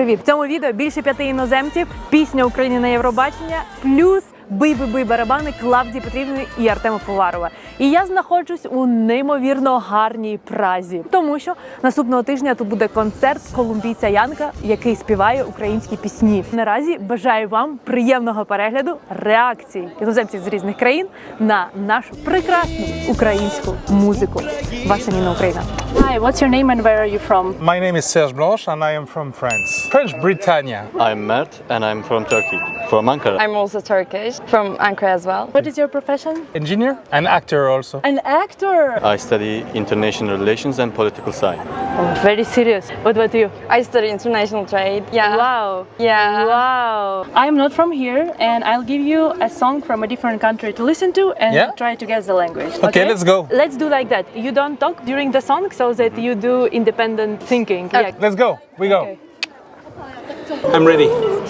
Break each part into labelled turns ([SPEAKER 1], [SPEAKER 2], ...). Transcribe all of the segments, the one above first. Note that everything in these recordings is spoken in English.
[SPEAKER 1] привіт! В цьому відео більше 5 іноземців, пісня України на Євробачення, плюс бий-бий-бий барабани Клавдії Петрівни і Артема Поварова. І я знаходжусь у неймовірно гарній Празі, тому що наступного тижня тут буде концерт колумбійця Янка, який співає українські пісні. Наразі бажаю вам приємного перегляду реакції іноземців з різних країн на нашу прекрасну українську музику. Ваша Ніна Україна. Hi, what's your name and where are you from?
[SPEAKER 2] My name is Serge Blanche and I am from France. French Britannia.
[SPEAKER 3] I'm Mert and I'm from Turkey, from Ankara.
[SPEAKER 4] I'm also Turkish, from Ankara as well.
[SPEAKER 1] What is your profession?
[SPEAKER 2] Engineer and actor also.
[SPEAKER 1] An actor.
[SPEAKER 3] I study international relations and political science.
[SPEAKER 1] Oh, very serious. What about you?
[SPEAKER 4] I study international trade. Yeah.
[SPEAKER 1] Wow.
[SPEAKER 4] Yeah.
[SPEAKER 1] Wow. I'm not from here and I'll give you a song from a different country to listen to and try to guess the language.
[SPEAKER 2] Okay, let's go.
[SPEAKER 1] Let's do like that. You don't talk during the song so that you do independent thinking.
[SPEAKER 4] Okay.
[SPEAKER 2] Let's go. We go.
[SPEAKER 1] Okay.
[SPEAKER 2] I'm ready.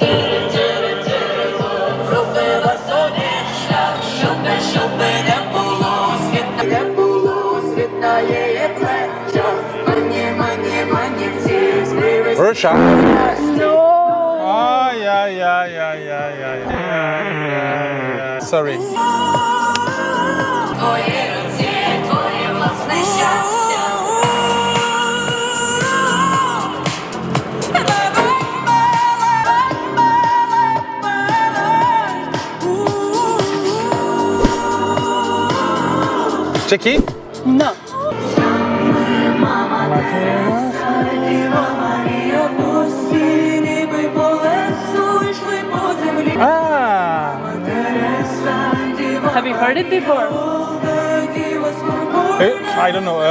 [SPEAKER 2] Russia.
[SPEAKER 1] No.
[SPEAKER 2] Oh, yeah. Sorry. Czechia?
[SPEAKER 1] No.
[SPEAKER 2] Ah.
[SPEAKER 1] Have you heard it before?
[SPEAKER 2] I don't know.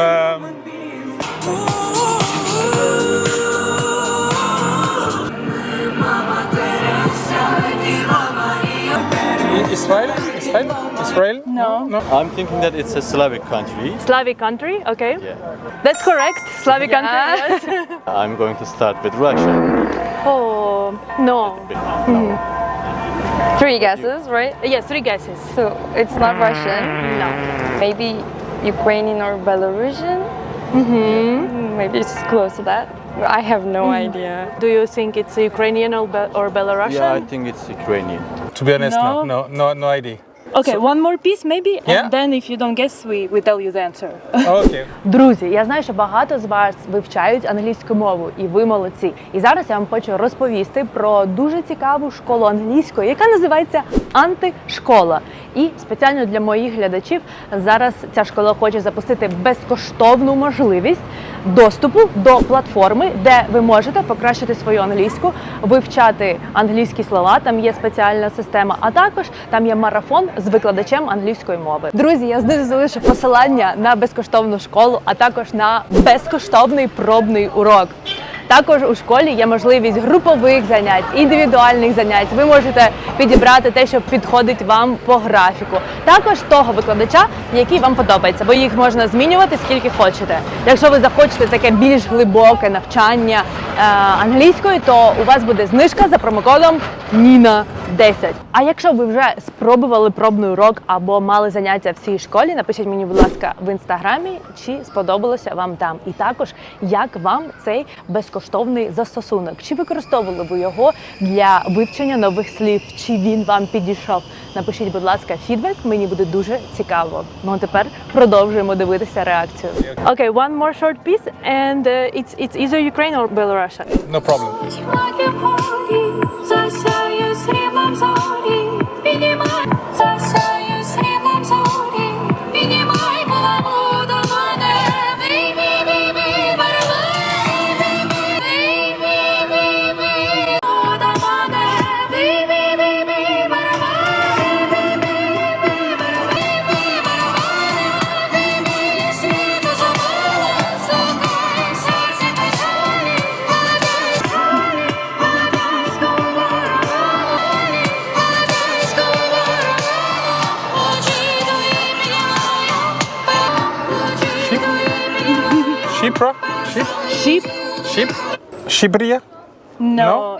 [SPEAKER 2] Israel?
[SPEAKER 1] No.
[SPEAKER 3] I'm thinking that it's a Slavic country.
[SPEAKER 1] Slavic country, okay.
[SPEAKER 3] Yeah.
[SPEAKER 1] That's correct. Slavic country, yes.
[SPEAKER 3] I'm going to start with Russia.
[SPEAKER 1] Oh, no.
[SPEAKER 4] Three guesses, right?
[SPEAKER 1] Yes, 3 guesses.
[SPEAKER 4] So it's not Russian.
[SPEAKER 1] No.
[SPEAKER 4] Maybe Ukrainian or Belarusian. Maybe it's close to that. I have no idea.
[SPEAKER 1] Do you think it's Ukrainian or Belarusian?
[SPEAKER 3] Yeah, I think it's Ukrainian.
[SPEAKER 2] To be honest,
[SPEAKER 1] No.
[SPEAKER 2] no idea.
[SPEAKER 1] Okay, one more piece maybe,
[SPEAKER 2] Yeah.
[SPEAKER 1] and then if you don't guess, we tell you the answer.
[SPEAKER 2] Okay.
[SPEAKER 1] Друзі, я знаю, що багато з вас вивчають англійську мову, і ви молодці. І зараз я вам хочу розповісти про дуже цікаву школу англійської, яка називається Антишкола. І спеціально для моїх глядачів зараз ця школа хоче запустити безкоштовну можливість доступу до платформи, де ви можете покращити свою англійську, вивчати англійські слова, там є спеціальна система, а також там є марафон з викладачем англійської мови. Друзі, я знизу залишу посилання на безкоштовну школу, а також на безкоштовний пробний урок. Також у школі є можливість групових занять, індивідуальних занять. Ви можете підібрати те, що підходить вам по графіку. Також того викладача, який вам подобається, бо їх можна змінювати скільки хочете. Якщо ви захочете таке більш глибоке навчання англійської, то у вас буде знижка за промокодом NINA10. А якщо ви вже спробували пробний урок або мали заняття в цій школі, напишіть мені, будь ласка, в інстаграмі, чи сподобалося вам там. І також, як вам цей безкоштовний застосунок. Чи використовували ви його для вивчення нових слів? Чи він вам підійшов? Напишіть, будь ласка, фідбек, мені буде дуже цікаво. Ну а тепер продовжуємо дивитися реакцію. Okay, one more short piece and it's either Ukraine or Belarus.
[SPEAKER 2] No problem. Shipra?
[SPEAKER 1] Sheep?
[SPEAKER 2] Ship? Shibria?
[SPEAKER 1] No.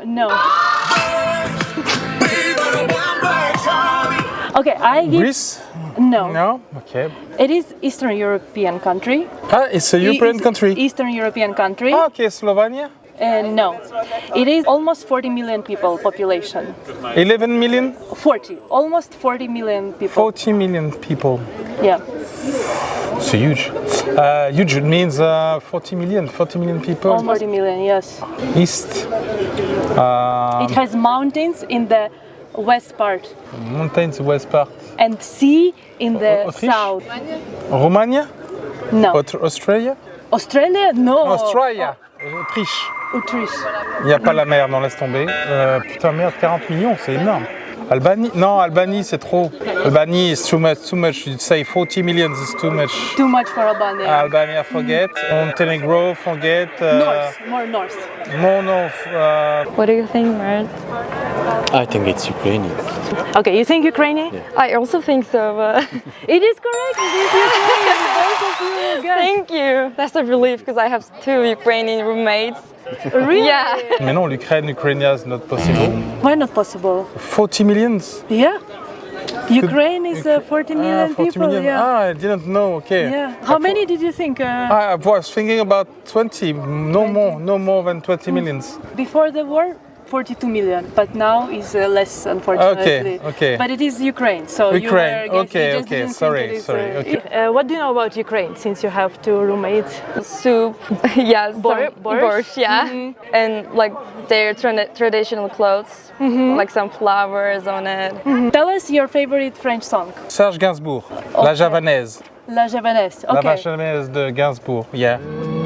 [SPEAKER 1] Okay, I give...
[SPEAKER 2] Greece?
[SPEAKER 1] No.
[SPEAKER 2] No? Okay.
[SPEAKER 1] It is Eastern European country.
[SPEAKER 2] Ah, it's a European country.
[SPEAKER 1] Eastern European country.
[SPEAKER 2] Ah, okay, Slovenia?
[SPEAKER 1] No. It is almost 40 million people population.
[SPEAKER 2] 11 million?
[SPEAKER 1] 40. Almost 40 million people.
[SPEAKER 2] 40 million people.
[SPEAKER 1] Yeah.
[SPEAKER 2] It's huge. Huge means 40 million people.
[SPEAKER 1] Almost 40 million, yes.
[SPEAKER 2] East.
[SPEAKER 1] It has mountains in the west part
[SPEAKER 2] Mountains, west part.
[SPEAKER 1] and sea in the
[SPEAKER 2] Autriche?
[SPEAKER 1] south.
[SPEAKER 2] Romania?
[SPEAKER 1] No.
[SPEAKER 2] Australia?
[SPEAKER 1] Australia? No.
[SPEAKER 2] Australia. Autriche.
[SPEAKER 1] Autriche.
[SPEAKER 2] Il n'y a pas la mer, non, laisse tomber. Putain, merde, 40 millions, c'est énorme. Albanie? Non, Albanie, c'est trop. Albanie is too much. You say 40 millions is too much.
[SPEAKER 1] Too much for Albania.
[SPEAKER 2] Albania, forget. Montenegro, forget.
[SPEAKER 1] North, more north.
[SPEAKER 2] No.
[SPEAKER 4] What do you think, Mert?
[SPEAKER 3] I think it's Ukrainian.
[SPEAKER 1] Okay, you think Ukrainian?
[SPEAKER 4] I also think so, but
[SPEAKER 1] It is correct. It is Ukrainian. Both of you guys.
[SPEAKER 4] thank you. That's a relief because I have 2 Ukrainian roommates.
[SPEAKER 1] Really?
[SPEAKER 4] Yeah.
[SPEAKER 2] Mais non, Ukraine is not possible.
[SPEAKER 1] Why not possible?
[SPEAKER 2] 40 millions?
[SPEAKER 1] Yeah. Ukraine is 40 million
[SPEAKER 2] 40
[SPEAKER 1] people.
[SPEAKER 2] million.
[SPEAKER 1] Yeah.
[SPEAKER 2] Ah, I didn't know, okay.
[SPEAKER 1] Yeah. How many did you think?
[SPEAKER 2] I was thinking about 20, no more than 20 millions.
[SPEAKER 1] Before the war, 42 million, but now is less, unfortunately.
[SPEAKER 2] Okay.
[SPEAKER 1] But it is Ukraine, so
[SPEAKER 2] Ukraine,
[SPEAKER 1] you were
[SPEAKER 2] okay,
[SPEAKER 1] you just
[SPEAKER 2] okay,
[SPEAKER 1] didn't think
[SPEAKER 2] sorry,
[SPEAKER 1] it is,
[SPEAKER 2] sorry, okay.
[SPEAKER 1] What do you know about Ukraine, since you have 2 roommates?
[SPEAKER 4] Soup, yeah,
[SPEAKER 1] Borscht?
[SPEAKER 4] borscht, yeah, and like their traditional clothes, like some flowers on it.
[SPEAKER 1] Tell us your favorite French song.
[SPEAKER 2] Serge Gainsbourg, La Javanaise.
[SPEAKER 1] La Javanaise.
[SPEAKER 2] La
[SPEAKER 1] Okay.
[SPEAKER 2] Javanaise de Gainsbourg, yeah.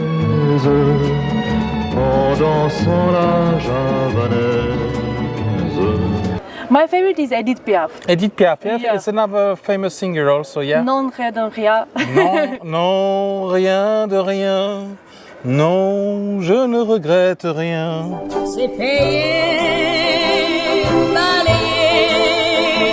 [SPEAKER 5] En dansant la javanaise.
[SPEAKER 1] My favorite is Edith Piaf.
[SPEAKER 2] Edith Piaf, yeah,
[SPEAKER 1] Yeah.
[SPEAKER 2] it's another famous singer also, yeah.
[SPEAKER 1] Non, rien, don, rien.
[SPEAKER 2] Non, rien de rien. Non, je ne regrette rien.
[SPEAKER 6] C'est payé, balayer,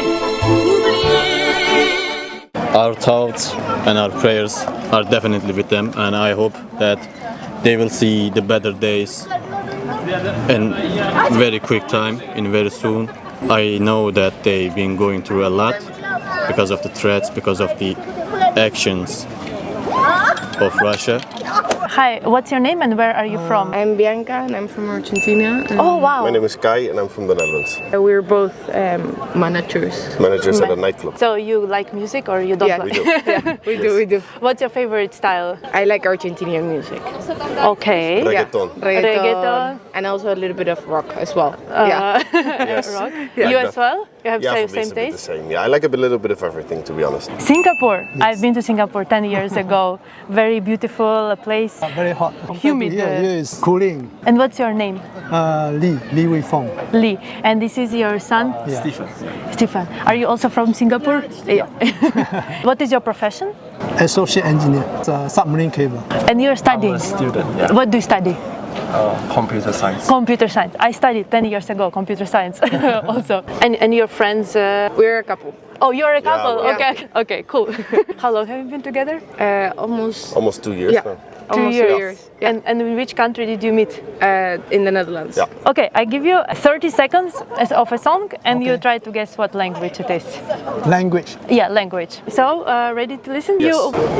[SPEAKER 6] oublier.
[SPEAKER 3] Our thoughts and our prayers are definitely with them, and I hope that they will see the better days in very quick time, in very soon. I know that they've been going through a lot because of the threats, because of the actions of Russia.
[SPEAKER 1] Hi, what's your name and where are you from?
[SPEAKER 7] I'm Bianca and I'm from Argentina.
[SPEAKER 1] Oh, wow.
[SPEAKER 8] My name is Guy and I'm from the Netherlands.
[SPEAKER 7] We're both managers.
[SPEAKER 8] Managers at a nightclub.
[SPEAKER 1] So you like music or you don't
[SPEAKER 7] Yeah.
[SPEAKER 1] like?
[SPEAKER 8] We do.
[SPEAKER 7] We do.
[SPEAKER 1] What's your favorite style?
[SPEAKER 7] I like Argentinian music.
[SPEAKER 1] Okay.
[SPEAKER 8] Reggaeton.
[SPEAKER 1] Reggaeton.
[SPEAKER 7] And also a little bit of rock as well. Yeah.
[SPEAKER 8] Yes.
[SPEAKER 1] Rock.
[SPEAKER 8] Yeah,
[SPEAKER 1] You
[SPEAKER 8] that-
[SPEAKER 1] as well? You have
[SPEAKER 8] Yeah,
[SPEAKER 1] same,
[SPEAKER 8] for me
[SPEAKER 1] same
[SPEAKER 8] it's a bit the
[SPEAKER 1] taste?
[SPEAKER 8] same. Yeah, I like a little bit of everything, to be honest.
[SPEAKER 1] Singapore. I've been to Singapore 10 years ago. Very beautiful place.
[SPEAKER 9] Very hot.
[SPEAKER 1] Humid.
[SPEAKER 9] Yeah, it's cooling.
[SPEAKER 1] And what's your name?
[SPEAKER 9] Li Weifeng.
[SPEAKER 1] Lee. And this is your son?
[SPEAKER 9] Yeah.
[SPEAKER 1] Stefan. Are you also from Singapore? Yeah. What is your profession?
[SPEAKER 9] Associate engineer. It's a submarine cable.
[SPEAKER 1] And you're studying?
[SPEAKER 10] Student, yeah.
[SPEAKER 1] What do you study?
[SPEAKER 10] Computer science.
[SPEAKER 1] Computer science. I studied 10 years ago computer science also. And your friends?
[SPEAKER 7] We're a couple.
[SPEAKER 1] Oh, you're a couple.
[SPEAKER 7] we're-
[SPEAKER 1] Okay. Okay. Cool. How long have you been together?
[SPEAKER 7] Almost
[SPEAKER 8] 2 years
[SPEAKER 7] Yeah.
[SPEAKER 8] now.
[SPEAKER 7] almost 2 years. Yeah.
[SPEAKER 1] And in which country did you meet?
[SPEAKER 7] In the Netherlands.
[SPEAKER 8] Yeah.
[SPEAKER 1] Okay, I give you 30 seconds of a song, and you try to guess what language it is.
[SPEAKER 9] Language.
[SPEAKER 1] Yeah, language. So, ready to listen?
[SPEAKER 8] Yes.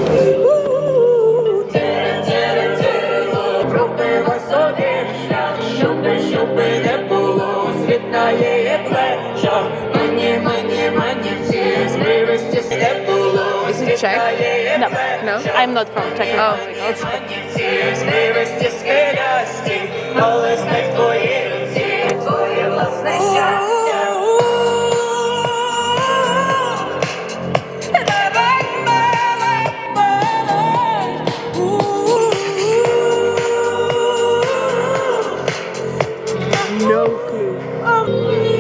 [SPEAKER 7] Is it Czech?
[SPEAKER 1] No,
[SPEAKER 7] No?
[SPEAKER 1] I'm not from Czech Republic. Also.
[SPEAKER 7] No clue.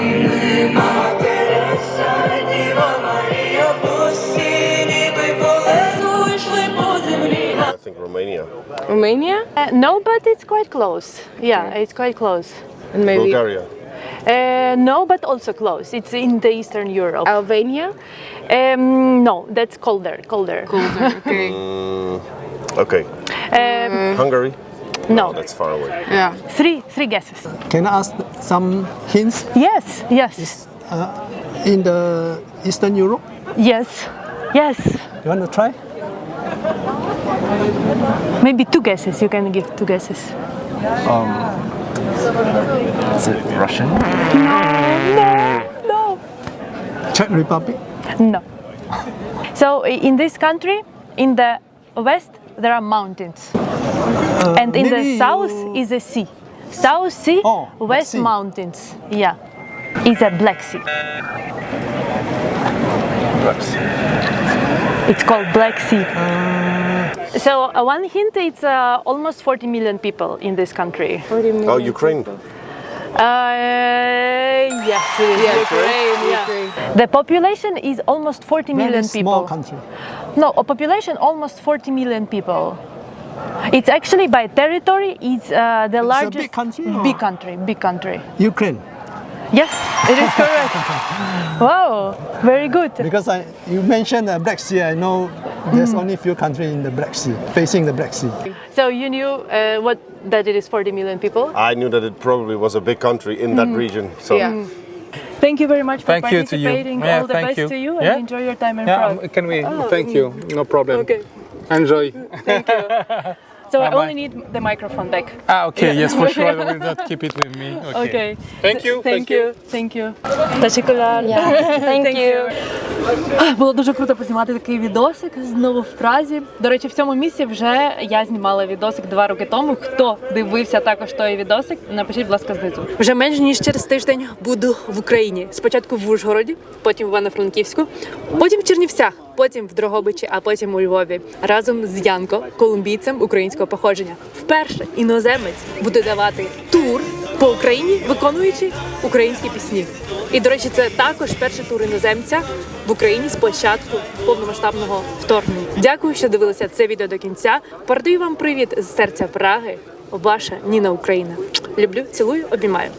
[SPEAKER 8] I think Romania.
[SPEAKER 7] Romania?
[SPEAKER 1] No, but it's quite close. Yeah, it's quite close.
[SPEAKER 7] And maybe
[SPEAKER 8] Bulgaria.
[SPEAKER 1] No, but also close. It's in the Eastern Europe.
[SPEAKER 7] Albania?
[SPEAKER 1] No, that's colder. Colder.
[SPEAKER 7] Okay.
[SPEAKER 8] Okay. Hungary?
[SPEAKER 1] No,
[SPEAKER 8] That's far away.
[SPEAKER 7] Yeah.
[SPEAKER 1] three guesses.
[SPEAKER 9] Can I ask some hints?
[SPEAKER 1] Yes, yes,
[SPEAKER 9] In the Eastern Europe?
[SPEAKER 1] yes, yes.
[SPEAKER 9] You want to try?
[SPEAKER 1] Maybe two guesses. You can give two guesses.
[SPEAKER 10] Is it Russian?
[SPEAKER 1] No.
[SPEAKER 9] Czech Republic.
[SPEAKER 1] No. So in this country, in the west, there are mountains. And in the
[SPEAKER 9] maybe
[SPEAKER 1] south
[SPEAKER 9] you-
[SPEAKER 1] is a sea. South Sea,
[SPEAKER 9] Oh, Black
[SPEAKER 1] West
[SPEAKER 9] Sea.
[SPEAKER 1] Mountains. Yeah. It's a Black Sea.
[SPEAKER 10] Black Sea.
[SPEAKER 1] It's called Black Sea. So one hint, it's almost 40 million people in this country.
[SPEAKER 4] 40 million
[SPEAKER 8] Oh, Ukraine.
[SPEAKER 4] people.
[SPEAKER 1] Yes, it is Ukraine. Yeah. The population is almost 40
[SPEAKER 9] Very
[SPEAKER 1] million
[SPEAKER 9] small
[SPEAKER 1] people.
[SPEAKER 9] country.
[SPEAKER 1] No, a population almost 40 million people. It's actually by territory, it's the largest.
[SPEAKER 9] big country, or?
[SPEAKER 1] Big country, big country.
[SPEAKER 9] Ukraine.
[SPEAKER 1] Yes, it is correct. Wow, very good.
[SPEAKER 9] Because you mentioned the Black Sea, I know there's only a few countries in the Black Sea, facing the Black Sea.
[SPEAKER 1] So you knew that it is 40 million people.
[SPEAKER 8] I knew that it probably was a big country in that region. So
[SPEAKER 7] Yeah.
[SPEAKER 1] Thank you very much for
[SPEAKER 2] Thank you to you.
[SPEAKER 1] participating.
[SPEAKER 2] Yeah,
[SPEAKER 1] All the
[SPEAKER 2] thank
[SPEAKER 1] best
[SPEAKER 2] you.
[SPEAKER 1] to you, and
[SPEAKER 2] Yeah?
[SPEAKER 1] enjoy your time in
[SPEAKER 2] Yeah,
[SPEAKER 1] Prague.
[SPEAKER 2] can we? Thank you. No problem.
[SPEAKER 1] Okay.
[SPEAKER 2] Enjoy.
[SPEAKER 1] So I
[SPEAKER 2] Bye-bye.
[SPEAKER 1] only need the microphone back.
[SPEAKER 2] Okay, yes, for sure. I will not keep it with me.
[SPEAKER 1] Okay.
[SPEAKER 2] Thank you.
[SPEAKER 1] Thank you. Thank you. Teşekkürler.
[SPEAKER 4] Thank you.
[SPEAKER 1] Було дуже круто познімати такий відосик знову в Празі. До речі, в цьому місці вже я знімала відосик 2 роки тому. Хто дивився також той відосик, напишіть, будь ласка, знизу. Вже менш ніж через тиждень буду в Україні. Спочатку в Ужгороді, потім в Івано-Франківську, потім в Чернівцях, потім в Дрогобичі, а потім у Львові. Разом з Янко, колумбійцем українського походження. Вперше іноземець буде давати тур по Україні, виконуючи українські пісні. І, до речі, це також перший тур іноземця в Україні з початку повномасштабного вторгнення. Дякую, що дивилися це відео до кінця. Передаю вам привіт з серця Праги. Ваша Ніна Україна. Люблю, цілую, обіймаю.